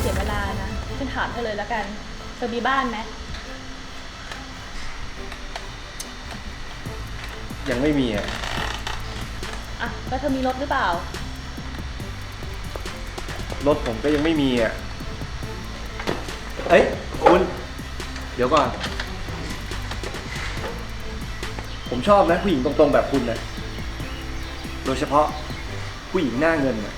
เสียเวลานะฉันถามเธอเลยแล้วกันเธอมีบ้านไหมยังไม่มีอ่ะแล้วเธอมีรถหรือเปล่ารถผมก็ยังไม่มีอ่ะเอ้ยคุณเดี๋ยวก่อนผมชอบนะผู้หญิงตรงๆแบบคุณนะโดยเฉพาะผู้หญิงหน้าเงินนะ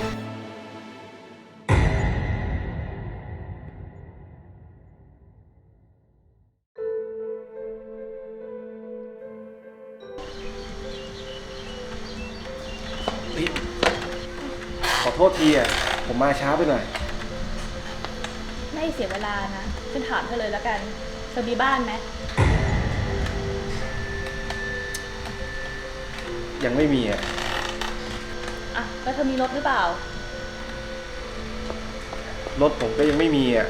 ขอโทษทีอ่ะผมมาช้าไปหน่อยไม่เสียเวลานะฉันถามเธอเลยแล้วกันเธอมีบ้านไหมยังไม่มีอ่ะแล้วเธอมีรถหรือเปล่ารถผมก็ยังไม่มีอ่ะ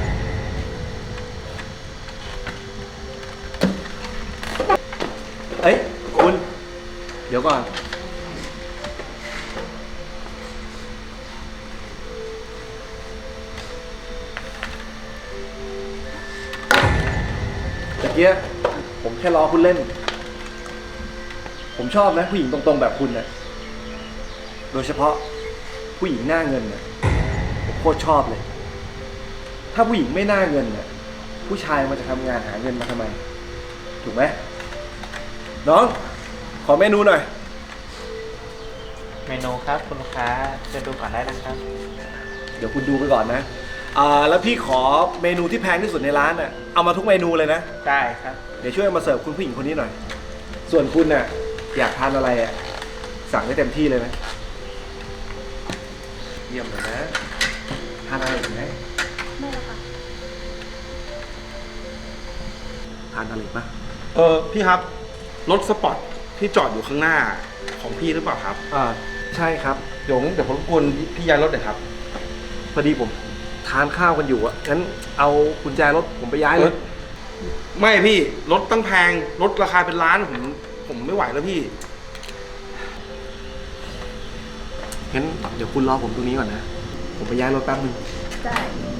เอ้ยคุณเดี๋ยวก่อนตะเกียผมแค่ล้อคุณเล่นผมชอบนะผู้หญิงตรงๆแบบคุณนะโดยเฉพาะผู้หญิงหน้าเงินนะผมโคตรชอบเลยถ้าผู้หญิงไม่หน้าเงินน่ะผู้ชายมันจะทำงานหาเงินมาทำไมถูกไหมน้องขอเมนูหน่อยเมนูครับคุณลูกค้าเชิญดูก่อนได้นะครับเดี๋ยวคุณดูไปก่อนนะแล้วพี่ขอเมนูที่แพงที่สุดในร้านน่ะเอามาทุกเมนูเลยนะได้ครับเดี๋ยวช่วยมาเสิร์ฟคุณผู้หญิงคนนี้หน่อยส่วนคุณน่ะอยากทานอะไรอ่ะสั่งได้เต็มที่เลยนะเยี่ยมเลยนะทานอะไรอีกไหมไม่ละค่ะทานอะไรอีกปะพี่ครับรถสปอร์ตที่จอดอยู่ข้างหน้าของพี่หรือเปล่าครับใช่ครับเดี๋ยวผมรบกวนพี่ย้ายรถหน่อยครับพอดีผมทานข้าวกันอยู่อ่ะงั้นเอากุญแจรถผมไปย้ายเลยไม่พี่รถตั้งแพงรถราคาเป็นล้านผมไม่ไหวแล้วพี่งั้นเดี๋ยวคุณรอผมตรงนี้ก่อนนะผมไปย้ายรถแป๊บนึงได้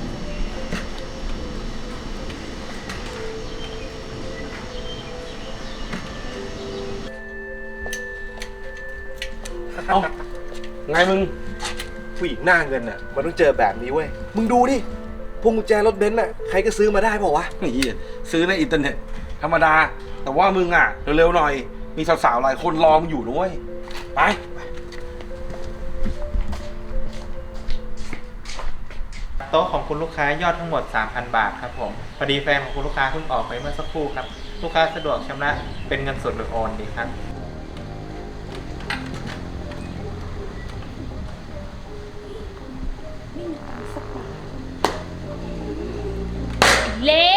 เอาไงมึงผู้หญิงหน้าเงินน่ะมันต้องเจอแบบนี้เว้ยมึงดูดิพวงกุญแจรถเบนซ์น่ะใครก็ซื้อมาได้เปล่าวะนี่ซื้อในอินเทอร์เน็ตธรรมดาแต่ว่ามึงอ่ะเร็วๆหน่อยมีสาวๆหลายคนรอมึงอยู่ด้วยไปโต๊ะของคุณลูกค้ายอดทั้งหมด 3,000 บาทครับผมพอดีแฟนของคุณลูกค้าเพิ่งออกไปเมื่อสักครู่ครับลูกค้าสะดวกชำระเป็นเงินสดหรือโอนดีครับเล